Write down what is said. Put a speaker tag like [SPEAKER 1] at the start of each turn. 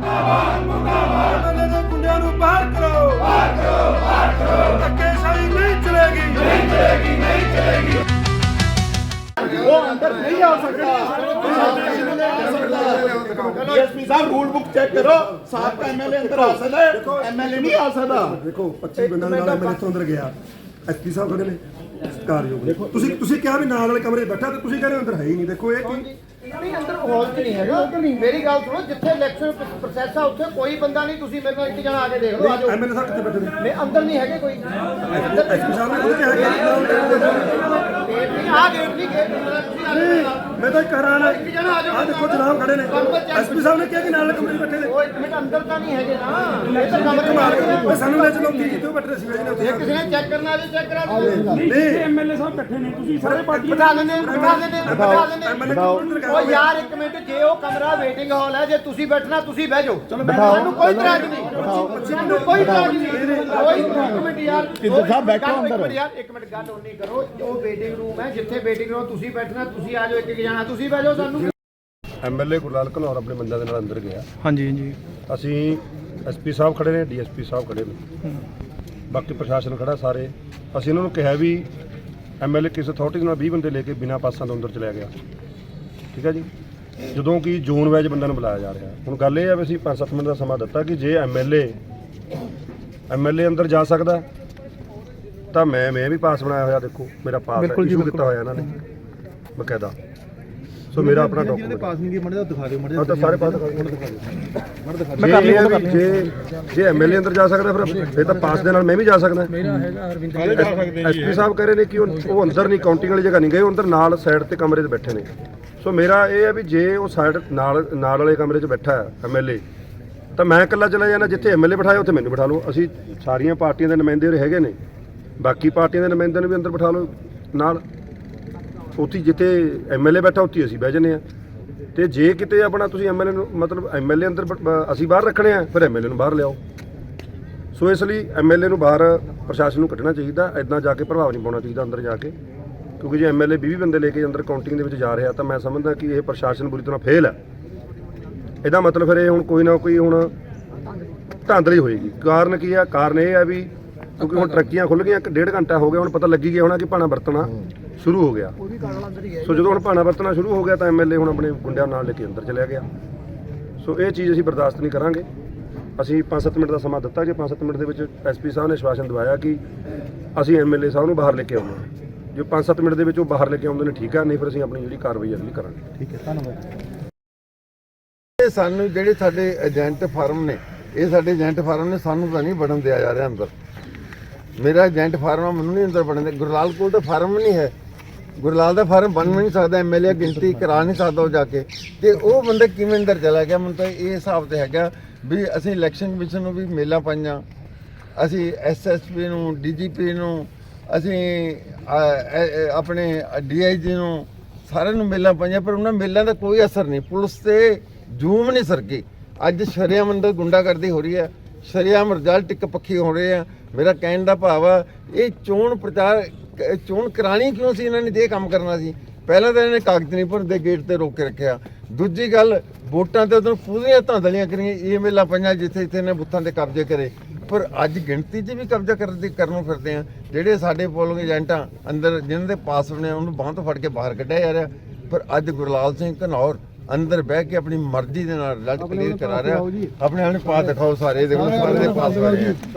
[SPEAKER 1] MLA ਦੇ ਗੁੰਡਿਆਂ ਨੂੰ ਬਾਹਰ ਕਰੋ ਧੱਕੇਸ਼ਾਹੀ ਨਹੀਂ ਚਲੇਗੀ वो अंदर नहीं आ सकता। डीएसपी साहब रूल बुक चेक करो, साहब का एमएलए अंदर आ सकता है, एमएलए नहीं आ सकता।
[SPEAKER 2] देखो 25 ਬੰਦਾ ਨਾਲ ਐਮਐਲਏ ਤੋਂ ਅੰਦਰ ਗਿਆ, ਐਸਪੀ ਸਾਹਿਬ ਖੜੇ ਨੇ ਸਤਿਕਾਰਯੋਗ। ਤੁਸੀਂ ਕਿਹਾ ਵੀ ਨਾਲ ਵਾਲੇ ਕਮਰੇ ਬੈਠਾ ਤੇ ਤੁਸੀਂ ਕਹਿੰਦੇ ਅੰਦਰ ਹੈ ਹੀ ਨਹੀਂ। ਦੇਖੋ ਇਹ ਕੀ
[SPEAKER 3] ਨਹੀਂ ਅੰਦਰ ਹਾਲ 'ਚ ਨਹੀਂ ਹੈਗਾ। ਮੇਰੀ ਗੱਲ ਸੁਣੋ, ਜਿੱਥੇ ਇਲੈਕਸ਼ਨ ਪ੍ਰੋਸੈਸ ਆ ਉੱਥੇ ਕੋਈ ਬੰਦਾ ਨਹੀਂ। ਤੁਸੀਂ ਮੇਰੇ ਨਾਲ ਇੱਕ ਜਣਾ ਆ ਕੇ ਦੇਖ ਲਓ। ਆਜੋ
[SPEAKER 2] ਐਮਐਲਏ ਸਾਹਿਬ ਕਿੱਥੇ ਬੈਠੇ ਨੇ?
[SPEAKER 3] ਮੈਂ ਅੰਦਰ ਨਹੀਂ ਹੈਗੇ ਕੋਈ।
[SPEAKER 2] ਐਸਪੀ ਸਾਹਿਬ ਨੇ ਖੁਦ ਕਿਹਾ
[SPEAKER 3] ਆ ਗੇਟ ਨਹੀਂ ਗੇਟ
[SPEAKER 2] ਮੈਂ ਤਾਂ ਕਰਾਂ ਨਾ। ਆ ਦੇਖੋ ਜਨਾਬ ਖੜੇ ਨੇ, ਐਸਪੀ ਸਾਹਿਬ ਨੇ ਕਿਹਾ ਕਿ ਨਾਲ ਕਮਰੇ 'ਚ ਬੈਠੇ ਨੇ।
[SPEAKER 3] ਉਹ ਇੱਕ ਮਿੰਟ ਅੰਦਰ ਤਾਂ ਨਹੀਂ ਹੈਗੇ ਨਾ। ਇਹ ਤਾਂ ਕਮਰੇ ਮਾਰ
[SPEAKER 2] ਓਏ ਸਾਨੂੰ ਲੈ ਚਲੋ ਕੀ ਕਿਤੇ ਬੈਠੇ ਸੀ ਜੀ ਉੱਥੇ।
[SPEAKER 3] ਕਿਸੇ ਨੇ ਚੈੱਕ ਕਰਨਾ ਜੇ ਚੈੱਕ ਕਰਾ ਦਿਓ।
[SPEAKER 2] ਨਹੀਂ
[SPEAKER 1] एमएलए साहब इकट्ठे नहीं, ਤੁਸੀਂ ਸਾਰੇ ਪਾਰਟੀ
[SPEAKER 3] ਬਿਠਾ ਲੈਂਦੇ ਬਿਠਾ ਲੈਂਦੇ
[SPEAKER 2] ਐਮਐਲਏ ਕਿਉਂ
[SPEAKER 3] ਉਹ ਯਾਰ ਇੱਕ ਮਿੰਟ, ਜੇ ਉਹ ਕਮਰਾ ਵੇਟਿੰਗ ਹਾਲ ਹੈ, ਜੇ ਤੁਸੀਂ ਬੈਠਣਾ ਤੁਸੀਂ ਬਹਿ ਜਾਓ। ਸਾਨੂੰ ਕੋਈ ਇਤਰਾਜ਼ ਨਹੀਂ, ਸਾਨੂੰ ਕੋਈ ਇਤਰਾਜ਼ ਨਹੀਂ। ਕੋਈ ਇੱਕ ਮਿੰਟ ਯਾਰ,
[SPEAKER 1] ਕਿੱਧਰ ਸਾਹਿਬ ਬੈਠੋ ਅੰਦਰ।
[SPEAKER 3] ਯਾਰ ਇੱਕ ਮਿੰਟ ਗੱਲ ਨਹੀਂ ਕਰੋ। ਉਹ ਵੇਟਿੰਗ ਰੂਮ ਹੈ, ਜਿੱਥੇ ਵੇਟਿੰਗ ਰੂਮ ਤੁਸੀਂ ਬੈਠਣਾ ਤੁਸੀਂ ਆ ਜਾਓ। ਇੱਕ ਜਣਾ ਤੁਸੀਂ ਬਹਿ ਜਾਓ। ਸਾਨੂੰ
[SPEAKER 2] ਐਮਐਲਏ ਗੁਰਲਾਲ ਘਨੌਰ ਆਪਣੇ ਬੰਦਿਆਂ ਦੇ ਨਾਲ ਅੰਦਰ ਗਿਆ।
[SPEAKER 4] ਹਾਂਜੀ ਹਾਂਜੀ
[SPEAKER 2] ਅਸੀਂ ਐਸਪੀ ਸਾਹਿਬ ਖੜੇ ਨੇ, ਡੀਐਸਪੀ ਸਾਹਿਬ ਖੜੇ ਨੇ, ਬਾਕੀ ਪ੍ਰਸ਼ਾਸਨ ਖੜਾ ਸਾਰੇ। ਅਸੀਂ ਉਹਨਾਂ ਨੂੰ ਕਿਹਾ ਵੀ ਐਮਐਲਏ ਕਿਸ ਅਥਾਰਟੀ ਨਾਲ 20 ਬੰਦੇ ਲੈ ਕੇ ਬਿਨਾਂ ਪਾਸਾਂ ਤੋਂ ਅੰਦਰ ਚਲਿਆ ਗਿਆ, ਠੀਕ ਹੈ ਜੀ। ਜਦੋਂ ਕਿ ਜ਼ੋਨ ਵਾਈਜ਼ ਬੰਦਿਆਂ ਨੂੰ ਬੁਲਾਇਆ ਜਾ ਰਿਹਾ। ਹੁਣ ਗੱਲ ਇਹ ਹੈ ਵੀ ਅਸੀਂ 5-7 ਮਿੰਟ ਦਾ ਸਮਾਂ ਦਿੱਤਾ ਕਿ ਜੇ ਐਮਐਲਏ ਅੰਦਰ ਜਾ ਸਕਦਾ ਤਾਂ ਮੈਂ ਵੀ ਪਾਸ ਬਣਾਇਆ ਹੋਇਆ। ਦੇਖੋ ਮੇਰਾ ਪਾਸ ਇਸ਼ੂ ਕੀਤਾ ਹੋਇਆ ਇਹਨਾਂ ਨੇ ਬਕਾਇਦਾ। ਸੋ ਮੇਰਾ ਆਪਣਾ ਡਾਕੂਮੈਂਟ
[SPEAKER 4] ਪਾਸ ਨਹੀਂ ਦੀ ਮੜੇ ਦਾ ਦਿਖਾ ਦਿਓ ਮੜੇ
[SPEAKER 2] ਤਾਂ ਸਾਰੇ ਪਾਸ ਜੇ ਐਮਐਲਏ ਅੰਦਰ ਜਾ ਸਕਦਾ ਫਿਰ ਤਾਂ ਪਾਸ ਦੇ ਨਾਲ ਮੈਂ ਵੀ ਜਾ ਸਕਦਾ। ਐਸਪੀ ਸਾਹਿਬ ਕਹਿ ਰਹੇ ਨੇ ਕਿ ਉਹ ਅੰਦਰ ਨਹੀਂ, ਕਾਊਂਟਿੰਗ ਵਾਲੀ ਜਗ੍ਹਾ ਨਹੀਂ ਗਏ, ਉਹ ਅੰਦਰ ਨਾਲ ਸਾਈਡ ਤੇ ਕਮਰੇ 'ਚ ਬੈਠੇ ਨੇ। ਸੋ ਮੇਰਾ ਇਹ ਹੈ ਵੀ ਜੇ ਉਹ ਸਾਈਡ ਨਾਲ ਵਾਲੇ ਕਮਰੇ 'ਚ ਬੈਠਾ ਹੈ ਐਮਐਲਏ ਤਾਂ ਮੈਂ ਇਕੱਲਾ ਚਲਾ ਜਾਣਾ। ਜਿੱਥੇ ਐਮਐਲਏ ਬਿਠਾਇਆ ਉੱਥੇ ਮੈਨੂੰ ਬਿਠਾ ਲਓ। ਅਸੀਂ ਸਾਰੀਆਂ ਪਾਰਟੀਆਂ ਦੇ ਨੁਮਾਇੰਦੇ ਉਰੇ ਹੈਗੇ ਨੇ, ਬਾਕੀ ਪਾਰਟੀਆਂ ਦੇ ਨੁਮਾਇੰਦਿਆਂ ਨੂੰ ਵੀ ਅੰਦਰ ਬਿਠਾ ਲਓ ਨਾਲ। ਉੱਥੇ ਜਿੱਥੇ ਐਮਐਲਏ ਬੈਠਾ ਉੱਥੇ ਅਸੀਂ ਬਹਿ ਜਾਂਦੇ ਹਾਂ। ਤੇ ਜੇ ਕਿਤੇ ਆਪਣਾ ਤੁਸੀਂ ਐਮਐਲਏ ਨੂੰ ਮਤਲਬ ਐਮਐਲਏ ਅੰਦਰ ਅਸੀਂ ਬਾਹਰ ਰੱਖਣੇ ਆ, ਫਿਰ ਐਮਐਲਏ ਨੂੰ ਬਾਹਰ ਲਿਆਓ। ਸੋ ਇਸ ਲਈ ਐਮਐਲਏ ਨੂੰ ਬਾਹਰ ਪ੍ਰਸ਼ਾਸਨ ਨੂੰ ਕੱਢਣਾ ਚਾਹੀਦਾ। ਇੱਦਾਂ ਜਾ ਕੇ ਪ੍ਰਭਾਵ ਨਹੀਂ ਪਾਉਣਾ ਚਾਹੀਦਾ ਅੰਦਰ ਜਾ ਕੇ, ਕਿਉਂਕਿ ਜੇ ਐਮਐਲਏ 20 ਬੰਦੇ ਲੈ ਕੇ ਅੰਦਰ ਕਾਊਂਟਿੰਗ ਦੇ ਵਿੱਚ ਜਾ ਰਿਹਾ ਤਾਂ ਮੈਂ ਸਮਝਦਾ ਕਿ ਇਹ ਪ੍ਰਸ਼ਾਸਨ ਬੁਰੀ ਤਰ੍ਹਾਂ ਫੇਲ ਹੈ। ਇਹਦਾ ਮਤਲਬ ਫਿਰ ਇਹ ਹੁਣ ਕੋਈ ਨਾ ਕੋਈ ਹੁਣ ਧਾਂਦਲੀ ਹੋਏਗੀ। ਕਾਰਨ ਕੀ ਆ? ਕਾਰਨ ਇਹ ਹੈ ਵੀ ਕਿਉਂਕਿ ਹੁਣ ਟਰੱਕੀਆਂ ਖੁੱਲ੍ਹ ਗਈਆਂ, 1.5 ਘੰਟਾ ਹੋ ਗਿਆ, ਹੁਣ ਪਤਾ ਲੱਗੀ ਗਿਆ ਹੋਣਾ ਕਿ ਭਾਣਾ ਵਰਤਣਾ ਸ਼ੁਰੂ ਹੋ ਗਿਆ। ਸੋ ਜਦੋਂ ਹੁਣ ਭਾਣਾ ਵਰਤਣਾ ਸ਼ੁਰੂ ਹੋ ਗਿਆ ਤਾਂ ਐਮਐਲਏ ਹੁਣ ਆਪਣੇ ਗੁੰਡਿਆਂ ਨਾਲ ਲੈ ਕੇ ਅੰਦਰ ਚਲਿਆ ਗਿਆ। ਸੋ ਇਹ ਚੀਜ਼ ਅਸੀਂ ਬਰਦਾਸ਼ਤ ਨਹੀਂ ਕਰਾਂਗੇ। ਅਸੀਂ 5-7 ਮਿੰਟ ਦਾ ਸਮਾਂ ਦਿੱਤਾ। ਜੇ 5-7 ਮਿੰਟ ਦੇ ਵਿੱਚ ਐਸਪੀ ਸਾਹਿਬ ਨੇ ਆਸ਼ਵਾਸਨ ਦਵਾਇਆ ਕਿ ਅਸੀਂ ਐਮਐਲਏ ਸਾਹਿਬ ਨੂੰ ਬਾਹਰ ਲੈ ਕੇ ਆਉਣਾ। ਜੇ 5-7 ਮਿੰਟ ਦੇ ਵਿੱਚ ਉਹ ਬਾਹਰ ਲੈ ਕੇ ਆਉਂਦੇ ਨੇ ਠੀਕ ਆ, ਨਹੀਂ ਫਿਰ ਅਸੀਂ ਆਪਣੀ ਜਿਹੜੀ ਕਾਰਵਾਈ ਅਗਲੀ ਕਰਾਂਗੇ।
[SPEAKER 4] ਠੀਕ ਹੈ, ਧੰਨਵਾਦ।
[SPEAKER 5] ਇਹ ਸਾਨੂੰ ਜਿਹੜੇ ਸਾਡੇ ਏਜੰਟ ਫਾਰਮ ਨੇ, ਇਹ ਸਾਡੇ ਏਜੰਟ ਫਾਰਮ ਨੇ, ਸਾਨੂੰ ਤਾਂ ਨਹੀਂ ਵੜਨ ਦਿਆ ਜਾ ਰਿਹਾ ਅੰਦਰ। ਮੇਰਾ ਏਜੰਟ ਫਾਰਮ ਆ, ਮੈਨੂੰ ਨਹੀਂ ਅੰਦਰ ਵੜਨ ਦੇ। ਗੁਰਲਾਲ ਕੋਲ ਤਾਂ ਫਾਰਮ ਨਹੀਂ ਹੈ, ਗੁਰਲਾਲ ਦਾ ਫਾਰਮ ਬਣ ਵੀ ਨਹੀਂ ਸਕਦਾ, ਐਮਐਲਏ ਗਿਣਤੀ ਕਰਾ ਨਹੀਂ ਸਕਦਾ ਉਹ ਜਾ ਕੇ। ਤੇ ਉਹ ਬੰਦਾ ਕਿਵੇਂ ਅੰਦਰ ਚਲਾ ਗਿਆ? ਮੈਨੂੰ ਤਾਂ ਇਹ ਹਿਸਾਬ ਤੇ ਹੈਗਾ ਵੀ ਅਸੀਂ ਇਲੈਕਸ਼ਨ ਕਮਿਸ਼ਨ ਨੂੰ ਵੀ ਮੇਲਾਂ ਪਾਈਆਂ, ਅਸੀਂ ਐਸਐਸਪੀ ਨੂੰ, ਡੀਜੀਪੀ ਨੂੰ, ਅਸੀਂ ਆਪਣੇ ਡੀਆਈਜੀ ਨੂੰ, ਸਾਰਿਆਂ ਨੂੰ ਮੇਲਾਂ ਪਾਈਆਂ, ਪਰ ਉਹਨਾਂ ਮੇਲਾਂ ਦਾ ਕੋਈ ਅਸਰ ਨਹੀਂ। ਪੁਲਿਸ ਤੇ ਜੂਮ ਨਹੀਂ ਸਰਕੀ। ਅੱਜ ਸ਼ਰੇਆਮ ਅੰਦਰ ਗੁੰਡਾਗਰਦੀ ਹੋ ਰਹੀ ਹੈ, ਸ਼ਰੇਆਮ ਰਿਜ਼ਲਟ ਇੱਕ ਪੱਖੀ ਹੋ ਰਹੇ ਆ। ਮੇਰਾ ਕਹਿਣ ਦਾ ਭਾਵ ਆ, ਇਹ ਚੋਣ ਪ੍ਰਚਾਰ ਚੋਣ ਕਰਾਣੀ ਕਿਉਂ ਸੀ? ਇਹਨਾਂ ਨੇ ਇਹ ਕੰਮ ਕਰਨਾ ਸੀ। ਪਹਿਲਾਂ ਤਾਂ ਇਹਨਾਂ ਨੇ ਕਾਗਜ਼ ਨਹੀਂ ਭਰਦੇ, ਗੇਟ ਤੇ ਰੋਕ ਕੇ ਰੱਖਿਆ। ਦੂਜੀ ਗੱਲ, ਵੋਟਾਂ ਤੇ ਉਦੋਂ ਪੂਰੀਆਂ ਧਾਂਦਲੀਆਂ ਕਰੀਆਂ, ਈਮੇਲਾਂ ਪਾਈਆਂ ਜਿੱਥੇ ਨੇ ਬੁੱਥਾਂ ਤੇ ਕਬਜ਼ੇ ਕਰੇ। ਪਰ ਅੱਜ ਗਿਣਤੀ 'ਚ ਵੀ ਕਬਜ਼ਾ ਕਰਨ ਫਿਰਦੇ ਆ। ਜਿਹੜੇ ਸਾਡੇ ਪੋਲਿੰਗ ਏਜੰਟਾਂ ਅੰਦਰ ਜਿਨ੍ਹਾਂ ਦੇ ਪਾਸ ਬਣੇ ਉਹਨੂੰ ਬਾਂਹ ਤੋਂ ਫੜ ਕੇ ਬਾਹਰ ਕੱਢਿਆ ਜਾ ਰਿਹਾ। ਪਰ ਅੱਜ ਗੁਰਲਾਲ ਸਿੰਘ ਘਨੌਰ ਅੰਦਰ ਬਹਿ ਕੇ ਆਪਣੀ ਮਰਜ਼ੀ ਦੇ ਨਾਲ ਰਿਜ਼ਲਟ ਕਲੀਅਰ ਕਰਾ ਰਿਹਾ। ਆਪਣੇ ਪਾਸ ਦਿਖਾਓ, ਸਾਰੇ ਦੇਖੋ ਸਾਰੇ ਦੇ ਪਾਸ ਹੋ ਰਹੇ ਆ।